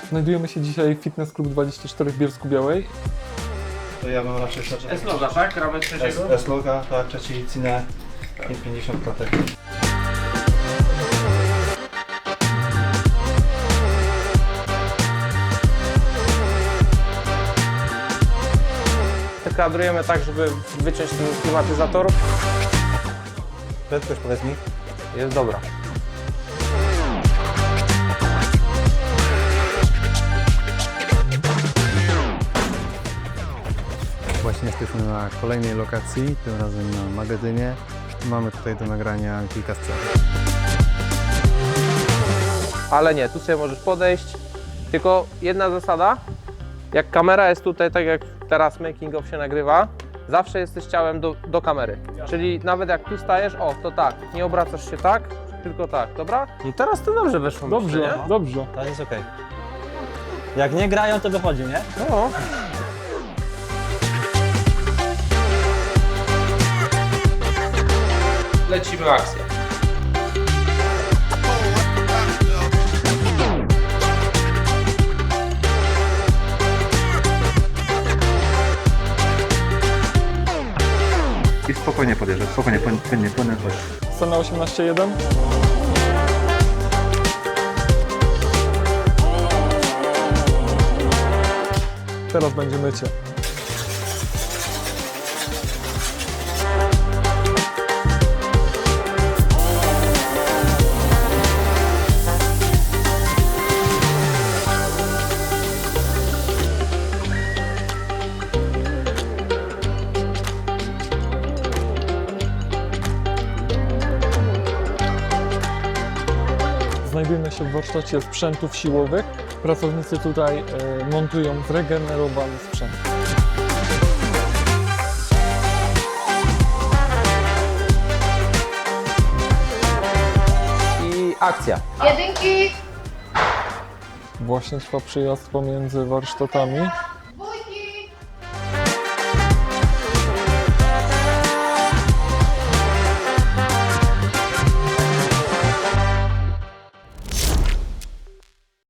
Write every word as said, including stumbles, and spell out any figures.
Znajdujemy się dzisiaj w Fitness Club dwadzieścia cztery w Bielsku-Białej. To ja bym raczej S-loga, tak? Ramy trzeciego? S-loga, tak, trzeci cinę i pięćdziesiąt klatek. Kadrujemy tak, żeby wyciąć ten klimatyzator. Prędkość powiedz mi. Jest dobra. Właśnie jesteśmy na kolejnej lokacji, tym razem na magazynie. Mamy tutaj do nagrania kilka scen. Ale nie, tu sobie możesz podejść. Tylko jedna zasada. Jak kamera jest tutaj, tak jak teraz making of się nagrywa, zawsze jesteś ciałem do, do kamery. Czyli nawet jak tu stajesz, o, to tak, nie obracasz się tak, tylko tak, dobra? No teraz to dobrze weszło. Dobrze, myślę, nie? dobrze. To jest okej. Jak nie grają, to wychodzi, nie? No. Lecimy akcję. I spokojnie podjeżdżaj, spokojnie, płynnie, płynnie, chodź. Scena osiemnaście jeden. Teraz będzie mycie. Znajdujemy się w warsztacie sprzętów siłowych. Pracownicy tutaj e, montują zregenerowany sprzęt. I akcja. Jedynki! Właśnie trwa przyjazd pomiędzy warsztatami.